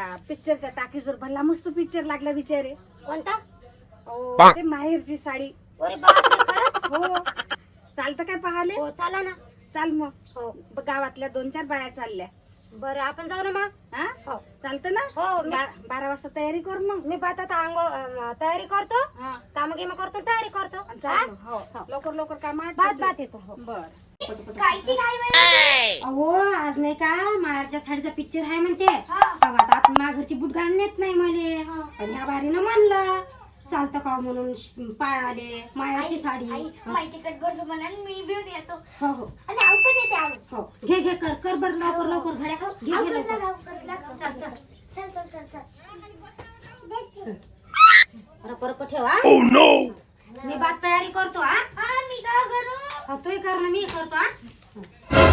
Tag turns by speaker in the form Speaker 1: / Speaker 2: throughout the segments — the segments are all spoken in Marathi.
Speaker 1: पिक्चरच्या टाकीजवर भला मस्त पिक्चर लागला बिचारे.
Speaker 2: कोणता?
Speaker 1: ते माहेरची साडी.
Speaker 2: अरे बापरे, खरंच?
Speaker 1: हो. चालतं काय पाहाले?
Speaker 2: हो चला ना.
Speaker 1: चाल मग.
Speaker 2: हो
Speaker 1: गावातल्या 2-4 बाया चालल्या.
Speaker 2: बरं आपण जाऊ ना मग.
Speaker 1: हा
Speaker 2: हो
Speaker 1: चालतं ना.
Speaker 2: हो
Speaker 1: 12 वाजता तयारी कर मग.
Speaker 2: मी आता आंघोळ तयारी करतो,
Speaker 1: हा
Speaker 2: काम गिम करतो, तयारी करतो.
Speaker 1: चाल मग. हो लवकर काम आठ.
Speaker 2: बात येतो. हो
Speaker 1: बर.
Speaker 2: कायची काय अहो आज नाही का माहेरच्या साडीचा पिक्चर आहे म्हणते. तेव्हा आता आपण माघरची बुट घालून नेत नाही मले, आणि ह्या बारीनं म्हणलं चालतं का म्हणून पाय आले माहेरची साडी.
Speaker 3: माझी तिकट भरतो म्हणा मी घेऊन येतो.
Speaker 2: हो हो
Speaker 3: आणि आऊ पण येते आऊ.
Speaker 2: हो घे कर बर लवकर घड्या घे
Speaker 3: आऊ
Speaker 2: घे
Speaker 3: कर
Speaker 2: लवकर.
Speaker 3: ना आऊ कर. चल चल चल चल.
Speaker 2: रप ठेवा. मी बात तयारी करतो. हा
Speaker 3: हा मी काय करू?
Speaker 2: हो तूही कर ना, मी करतो. हा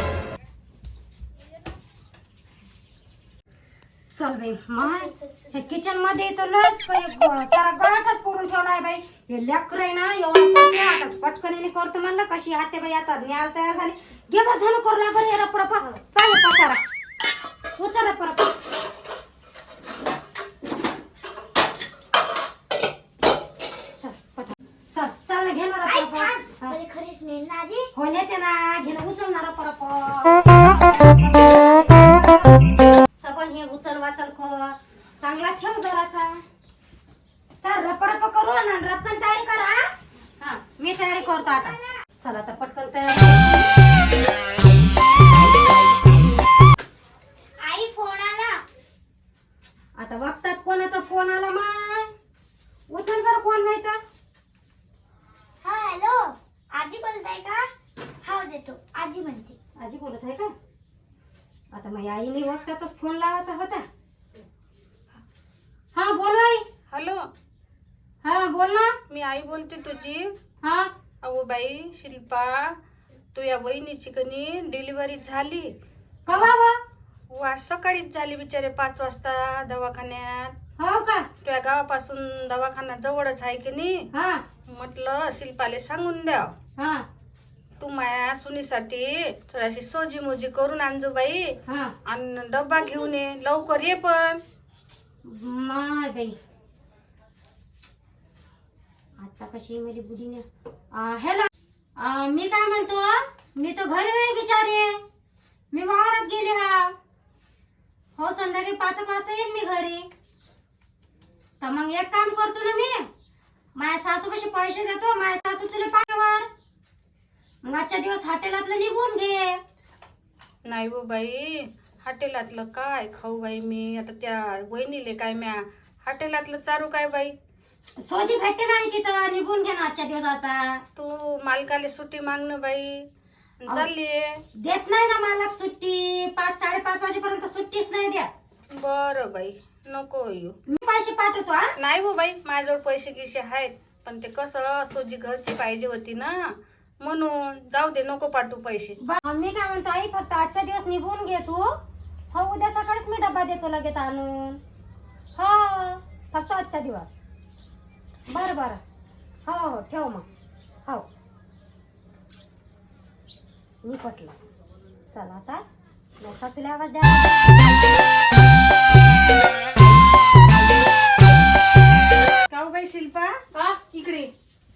Speaker 2: चल बाई माय किचन मध्ये तर लस सारा गळाटच करून ठेवलाय बाई. हे लेकर आहे ना एवढं करते, आता पटकन करतो म्हणलं कशी आते बाई. आता न्याल तयार झाली. घे बर धनु करू लागल याला परप पाहिजे पसारा उचला परप. चल चल घेणार
Speaker 3: पहिले खरीच नेल ना आजी.
Speaker 2: हो नेते ना. घेणं उचलणार परप सबन हे उचल वाचल चांगला ठेव जरासा. चल रप करू ना, रपकन तयारी करा. हा मी तयारी करतो आता. चला आता पटकन तयारी.
Speaker 3: आई फोन आला.
Speaker 2: आता बघतात कोणाचा फोन आला माय. उचल बरं कोण माहित.
Speaker 3: हा हॅलो आजी बोलताय का? हा देतो. आजी म्हणते.
Speaker 2: आजी बोलत आहे का? आता माझ्या आईने वक्तातच फोन लावायचा होता. हा बोल आई.
Speaker 1: हॅलो
Speaker 2: हा बोल ना.
Speaker 1: मी आई बोलते तुझी.
Speaker 2: हा
Speaker 1: अहो बाई शिल्पा, तू या वहिनीची कनी डिलिव्हरी झाली.
Speaker 2: कवा
Speaker 1: आज सकाळीच झाली बिचारे 5 वाजता दवाखान्यात.
Speaker 2: हो का?
Speaker 1: तुझ्या गावापासून दवाखाना जवळच आहे की नाही.
Speaker 2: हा
Speaker 1: म्हटलं शिल्पाले सांगून द्या
Speaker 2: हा
Speaker 1: तू माया सुनीसाठी थोडीशी सोजी मोजी करून आणजो बाई.
Speaker 2: हा
Speaker 1: आणि डब्बा घेऊन ये लवकर ये. पण
Speaker 2: माय बाई आता कशी मेली बुद्धीने. हॅलो मी काय म्हणतो, मी तर घरी नाही बिचारे. मी वावरात गेले. हा हो संध्याकाळी 5 वाजता येईन मी घरी. तर मग एक काम करतो ना, मी माझ्या सासूपाशी पैसे देतो. माझ्या सासू तुला पाण्यावर मग आजच्या दिवस हॉटेलातलं निघून घे.
Speaker 1: नाही हो बाई, हॉटेलातलं काय खाऊ बाई मी. आता त्या वहिनीले काय म्या हॉटेलातलं चारू काय बाई.
Speaker 2: सोजी भेटते नाही तिथं, निघून घे ना आजच्या दिवस. आता
Speaker 1: तू मालकाले सुट्टी मागणं बाई. चालली
Speaker 2: देत नाही ना मालक सुट्टी. 5-5:30 वाजेपर्यंत सुट्टीच नाही द्या.
Speaker 1: बरं बाई नको येऊ.
Speaker 2: मी पैसे पाठवतो. हा
Speaker 1: नाही हो बाई, माझ्याजवळ पैसे गिसे आहेत. पण ते कसं सोजी घरची पाहिजे होती ना, म्हणून जाऊ दे नको पाठवू पैसे.
Speaker 2: मी काय म्हणतो आई, फक्त आजच्या दिवस निघून घे तू. हो उद्या सकाळीच मी डब्बा देतो लगेच आणून. हो फक्त आजच्या दिवस. बरं हो ठेव मग. हो मी पटलं. चला आता सासूला आवाज द्या.
Speaker 1: काऊ बाई शिल्पा
Speaker 2: हा
Speaker 1: इकडे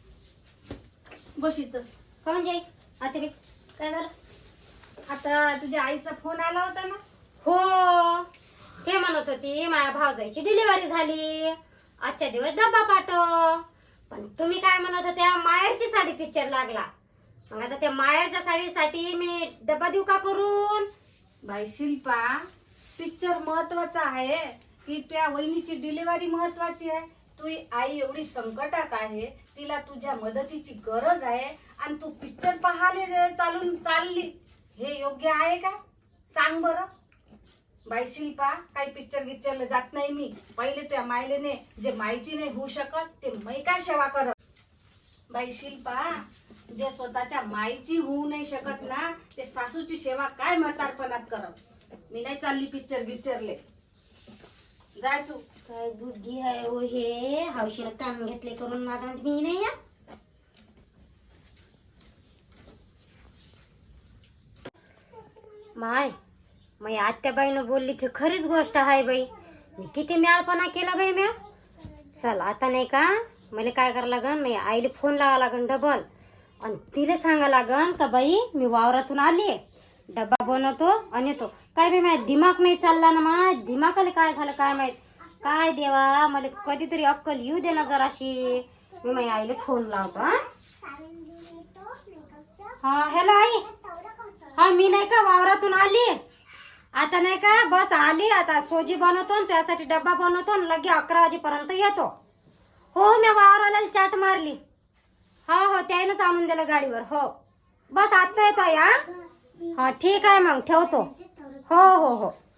Speaker 1: बस इथं.
Speaker 2: का म्हणजे आता बी काय झालं?
Speaker 1: आता तुझ्या आईचा फोन आला होता ना.
Speaker 2: हो ते म्हणत होती माझ्या भावजाईची डिलिव्हरी झाली, आजच्या दिवस डब्बा पाठव. पण तुम्ही काय म्हणत होत्या, माहेरची साडी पिक्चर लागला. मग आता त्या माहेरच्या साडीसाठी मी डब्बा देऊ का करून?
Speaker 1: बाई शिल्पा, पिक्चर महत्वाचा आहे की त्या वहिनीची डिलिव्हरी महत्वाची आहे. तू आई एवढी संकटात आहे, तिला तुझ्या मदतीची गरज आहे आणि तू पिक्चर पाहायला चालून चालली. हे योग्य आहे का? सांग बरं. बाई शिल्पा, काही पिक्चरला जात नाही मी. पहिले तुझ्या मायलेने जे मायची नाही होऊ शकत ते मै काय सेवा करत. बाई शिल्पा, जे स्वतःच्या मायची होऊ नाही शकत ना, ते सासूची सेवा काय म्हातारपणात करत. मी नाही चालली पिक्चरले. जाय तू.
Speaker 2: काय बुद्धी आहे ओ हे, हौशीला काम घेतले करून नादात मी नाही. या माय आत्याबाईनं बोलली ती खरीच गोष्ट आहे बाई. मी किती म्याळपणा केला बाई म्या. चल आता नाही का मला काय करावं लागन, मी आईला फोन लावा लागन डबल आणि तिला सांगा लागन का बाई मी वावरातून आली, डब्बा बनवतो आणि येतो. काय बाई माझ्या दिमाग नाही चालला ना, माझ्या दिमागाला काय झालं काय माहित. काय देवा मला कधीतरी अक्कल येऊ दे ना जराशी. मी माझ्या आईला फोन लावतो. हा हॅलो आई. हा मी नाही का वावरातून आली आता, नाही का बस आली आता. सोजी बनवतो आणि त्यासाठी डब्बा बनवतो आणि लगे 11 वाजेपर्यंत येतो. हो मी वावराला चाट मारली. हो हो त्यानंच आणून दिलं गाडीवर. हो बस आता येतो या. हा ठीक आहे मग ठेवतो. हो हो हो.